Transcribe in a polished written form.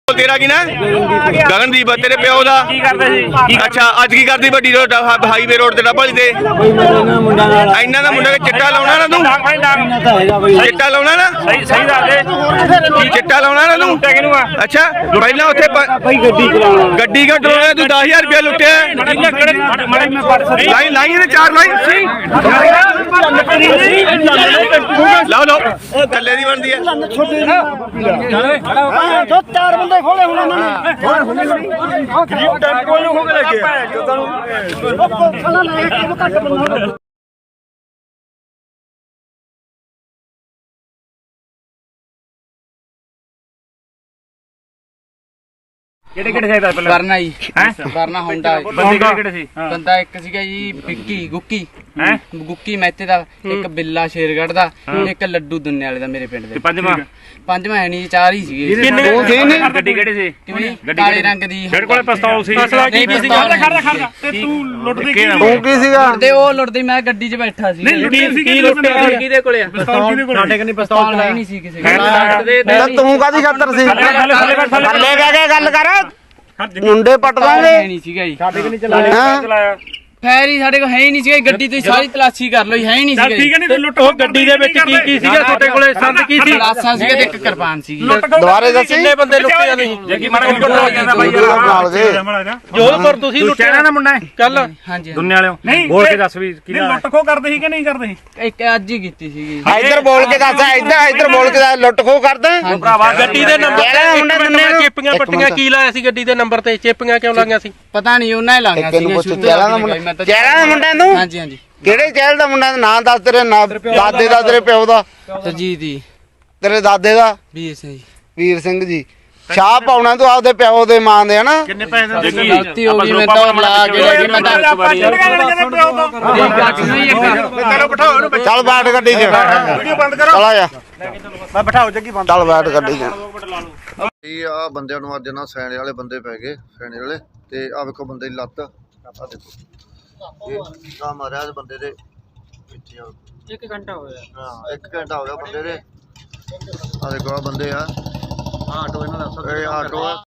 तेरा की ना गगनदीप तेरे प्यो का अच्छा अज की करती वड्डी रोड हाईवे रोड ते डबल दे इन्ना दा मुंडा चिट्टा लाउणा ना तू चिट्टा लाउणा ना चिट्टा लाउणा ना तू अच्छा पहला उत्थे गड्डी का चलाउणा तू 10,000 रुपया लुट्टिया लाइन लाइन ते चार लाइन लाओ लो कल्ले दी बनदी है दो चार बंदे खोले हुण उन्होंने टेंपो ਨੂੰ ਹੋ ਕੇ ਲੱਗੇ ਕਿਹੜੇ ਕਿਹੜੇ ਸਾਈਡ ਪਹਿਲਾਂ ਵਰਨਾ ਜੀ ਹੈ ਵਰਨਾ ਹੋਂਡਾ ਬੰਦੇ ਕਿਹੜੇ ਕਿਹੜੇ ਸੀ ਬੰਦਾ ਇੱਕ ਸੀਗਾ ਜੀ ਵਿੱਕੀ ਗੁੱਕੀ ਹੈ ਗੁੱਕੀ ਮਹਿਤੇ ਦਾ ਇੱਕ ਬਿੱਲਾ ਸ਼ੇਰਗੜ੍ਹ ਦਾ ਇੱਕ ਲੱਡੂ ਦੁੰਨੇ ਵਾਲੇ ਦਾ ਮੇਰੇ ਪਿੰਡ ਦੇ ਪੰਜਵਾਂ ਪੰਜਵਾਂ ਹੈ ਨਹੀਂ ਚਾਰ ਹੀ ਸੀਗੇ ਕਿੰਨੇ ਗੱਡੀ ਕਿਹੜੇ ਸੀ ਕਿਵੇਂ ਕਾਲੇ ਰੰਗ ਦੀ ਮੇਰੇ ਕੋਲੇ ਪਿਸਤੌਲ ਸੀ ਨਹੀਂ ਪਿਸਤੌਲ ਖੜਦਾ ਤੇ ਤੂੰ ਲੁੱਟਦੀ ਕੀ ਕੀ ਸੀਗਾ ਤੇ ਉਹ ਲੁੱਟਦੇ ਮੈਂ ਗੱਡੀ 'ਚ ਬੈਠਾ ਸੀ ਨਹੀਂ ਲੁੱਟੀ ਸੀ ਕੀ ਲੁੱਟਿਆ ਕਿਹਦੇ ਕੋਲੇ ਆ ਪਿਸਤੌਲ ਕਿਹਦੇ ਕੋਲੇ ਸਾਡੇ ਕੋਲ ਪਿਸਤੌਲ ਹੈ ਨਹੀਂ ਸੀ ਕਿਸੇ ਤਾਂ ਤੂੰ ਕਾਦੀ ਖਾਤਰ ਸੀ ਥੱਲੇ ਬਹਿ ਕੇ ਗੱਲ ਕਰ ਮੁੰਡੇ ਪੱਟ ਦਾਂਗੇ ਨਹੀਂ ਸੀਗਾ ਜੀ ਸਾਡੇ ਕੋਲ ਨਹੀਂ ਚਲਾਇਆ ਫੈਰ ਹੀ ਸਾਡੇ ਕੋਲ ਹੈ ਹੀ ਨਹੀਂ ਸੀਗਾ ਗੱਡੀ ਤੁਸੀਂ ਸਾਰੀ ਤਲਾਸ਼ੀ ਕਰ ਲਓ ਹੈ ਹੀ ਨਹੀਂ ਸੀਗਾ ਠੀਕ ਹੈ ਨਹੀਂ ਲੁੱਟ ਉਹ ਗੱਡੀ ਦੇ ਵਿੱਚ ਕੀ ਸੀਗਾ ਤੁਹਾਡੇ ਕੋਲੇ ਸੰਦ ਕੀ ਸੀ ਗਲਾਸਾਂ ਸੀਗਾ ਤੇ ਇੱਕ ਕਿਰਪਾਨ ਸੀਗੀ ਦੁਬਾਰੇ ਦੱਸੀ ਕਿੰਨੇ ਬੰਦੇ ਲੁੱਟੇ ਆ ਤੁਸੀਂ ਜੱਗੀ ਮਾੜਾ ਕੰਟਰੋਲ ਜਾਂਦਾ ਬਾਈ ਜੋਧਪੁਰ ਤੁਸੀਂ ਲੁੱਟਿਆ ਨਾ ਮੁੰਡਾ ਕੱਲ ਹਾਂਜੀ ਦੁੰਨੇ ਵਾਲਿਓ ਨਹੀਂ ਬੋਲ ਕੇ ਦੱਸ ਵੀ ਕੀ ਲੁੱਟ ਖੋ ਕਰਦੇ ਸੀ ਕਿ ਨਹੀਂ ਕਰਦੇ ਸੀ ਇੱਕ ਅੱਜ ਹੀ ਕੀਤੀ ਸੀਗੀ ਇੱਧਰ ਬੋਲ ਕੇ ਦੱਸ ਇੱਧਰ ਬੋਲ ਕੇ ਦੱਸ ਲੁੱਟ ਖੋ ਕਰਦਾ ਭਰਾਵਾ ਗੱਡੀ ਦੇ ਨੰਬਰ ਤੇ ਚੇਪੀਆਂ ਪੱਟੀਆਂ ਕੀ ਲਾਇਆ ਸੀ ਗੱਡੀ ਦੇ ਨੰਬਰ ਤੇ ਚੇਪੀਆਂ ਕਿਉਂ ਲਾਈਆਂ ਸੀ ਪਤਾ ਨਹੀਂ ਉਹਨਾਂ ਹੀ ਲਾਈਆਂ ਤੈਨੂੰ ਪੁੱਛ ਚਹਿਲਾ ਦਾ ਮੁੰਡਾ ਚਹਿਲਾ ਦਾ ਮੁੰਡਾ ਤੂੰ ਹਾਂਜੀ ਹਾਂਜੀ ਕਿਹੜੇ ਚਹਿਲ ਦਾ ਮੁੰਡਾ ਨਾਂ ਦੱਸ ਤੇਰੇ ਦਾਦੇ ਦਾ ਤੇਰੇ ਪਿਓ ਦਾ ਸਰਜੀਤ ਜੀ ਤੇਰੇ ਦਾਦੇ ਦਾ ਵੀਰ ਸਿੰਘ ਜੀ ਵੀਰ ਸਿੰਘ ਜੀ ਸ਼ਾਹ ਪਾਉਣਾ ਤੂੰ ਆਪਦੇ ਪਿਓ ਦੇ ਮਾਂ ਦੇ ਹਨਾ ਕਿੰਨੇ ਪੈਸੇ ਜੱਗੀ ਗਲਤੀ ਹੋ ਗਈ ਮੈਂ ਤਾਂ ਲਾ ਕੇ ਲੱਗੀ ਮੈਂ ਤਾਂ ਚਲੋ ਬਿਠਾਓ ਇਹਨੂੰ ਚੱਲ ਬੈਠ ਗੱਡੀ 'ਚ ਵੀਡੀਓ ਬੰਦ ਕਰੋ ਚਲਾ ਜਾ ਮੈਂ ਬਿਠਾਓ ਜੱਗੀ ਬੰਦ ਚੱਲ ਬੈਠ ਗੱਡੀ 'ਚ ਇਹ ਆ ਬੰਦਿਆਂ ਨੂੰ ਅੱਜ ਨਾ ਸੈਣੇ ਵਾਲੇ ਬੰਦੇ ਪੈ ਗਏ ਸੈਣੇ ਵਾਲੇ ਤੇ ਆ ਵੇਖੋ ਬੰਦੇ ਦੀ ਲੱਤ ਆ ਦੇਖੋ ਇਹ ਆ ਮਾਰਿਆ ਇਸ ਬੰਦੇ ਦੇ ਇੱਥੇ ਆ 1 ਘੰਟਾ ਹੋਇਆ ਹਾਂ 1 ਘੰਟਾ ਹੋ ਗਿਆ ਬੰਦੇ ਦੇ ਆ ਦੇਖੋ ਆ ਬੰਦੇ ਆ ਆਟੋ ਇਹਨਾਂ ਦਾ ਇਹ ਆਟੋ ਆ